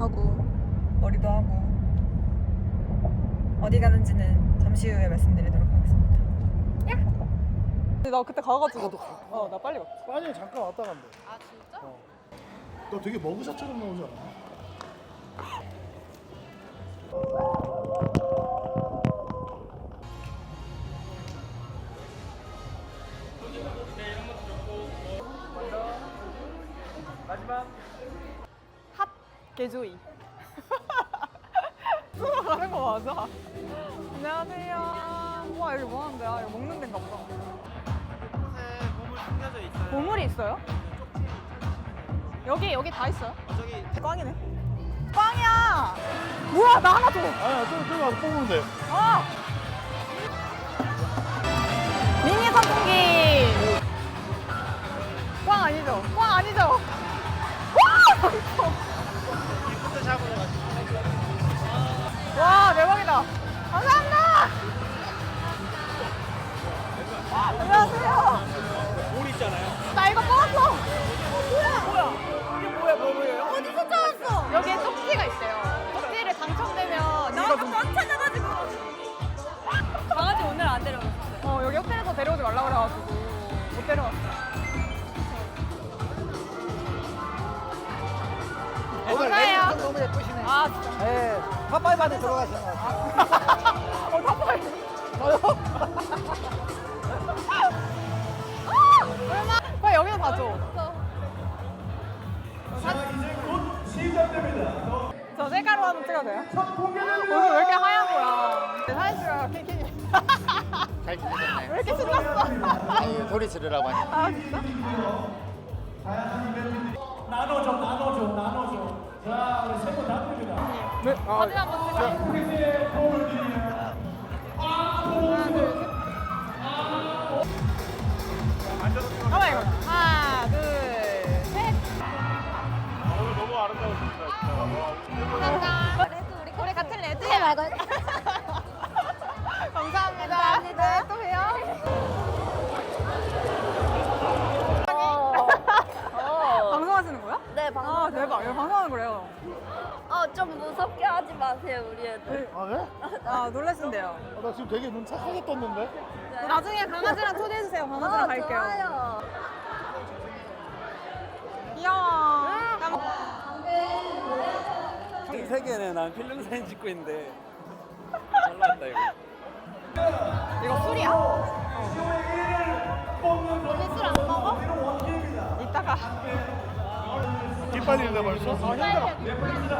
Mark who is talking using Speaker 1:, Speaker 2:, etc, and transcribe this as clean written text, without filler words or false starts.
Speaker 1: 하고 머리도 하고 어디 가는지는 잠시 후에 말씀드리도록 하겠습니다. 야! 나 그때 가가지고 나 빨리 갔지.
Speaker 2: 아니 잠깐 왔다 간대.
Speaker 1: 아 진짜?
Speaker 2: 너 되게 머그샷처럼 나오지 않아?
Speaker 3: 마지막
Speaker 1: 핫 개조이. 수로 가는 거 맞아? 안녕하세요. 와 여기 뭐 하는 데야? 이거 먹는 데인가 보다.
Speaker 3: 곳에 보물 숨겨져 있어요.
Speaker 1: 보물이 있어요? 여기 다 있어요?
Speaker 3: 저기
Speaker 1: 꽝이네. 꽝이야. 우와 나 하나 줘.
Speaker 2: 아니야 저기 와서 뽑으면 돼.
Speaker 1: 어. 미니 선풍기. 꽝 아니죠? 꽝 아니죠? 와!
Speaker 3: 기프트 샵으로 가시면
Speaker 1: 와 대박이다. 감사합니다. 안녕하세요.
Speaker 3: 볼 있잖아요.
Speaker 1: 나 이거 뽑았어. 뭐야? 이게 뭐예요? 어디서 찾았어? 여기에 쪽지가 있대요. 쪽지를 당첨되면 나 아까 안 찾아가지고. 강아지 오늘 안 데려왔어요. 여기 호텔에서 데려오지 말라 그래가지고 못 데려왔어요. 감사해요.
Speaker 4: 너무 예쁘시네.
Speaker 1: 아 진짜.
Speaker 4: 네, 팝파이브한테 들어가시는 것 같아요.
Speaker 1: 탑파이. 얼마? 빨리 여기서 봐줘. 저 셀카로 한번 찍어도 돼요? 오늘 왜 이렇게 하얀 거야? 사진 찍어요, 킹킹이.
Speaker 4: 잘 지내셨나요?
Speaker 1: 왜 이렇게 신났어?
Speaker 4: 아니, 소리 지르라고 하니까.
Speaker 1: 아, 진짜?
Speaker 2: 나눠줘. 자 우리 세분 나눕니다.
Speaker 1: 네. 사진 한번 찍어요. 하나, 둘, 셋. 가만 이거. 하나, 둘, 셋.
Speaker 3: 오늘 너무 아름다우십니다.
Speaker 1: 감사합니다. 우리 같은 레드에 말고. 감사합니다. 네, 또 봬요. 방송하시는 거야?
Speaker 5: 네, 방송.
Speaker 1: 아, 대박. 이거 방송하는 거래요.
Speaker 5: 좀 무섭게 하지 마세요, 우리 애들.
Speaker 2: 아 그래?
Speaker 1: 아, 놀라신대요.
Speaker 2: 나 지금 되게 눈 착하게 떴는데?
Speaker 1: 나중에 강아지랑 초대해주세요. 강아지랑 갈게요.
Speaker 5: 좋아요.
Speaker 1: 귀여워.
Speaker 3: 전 세계는 난 필름 사진 찍고 있는데 잘 나왔다 이거.
Speaker 1: 이거 술이야?
Speaker 5: 오늘 술 안 먹어?
Speaker 1: 이따가.
Speaker 2: 깃발이 있네 벌써?
Speaker 1: 힘들어.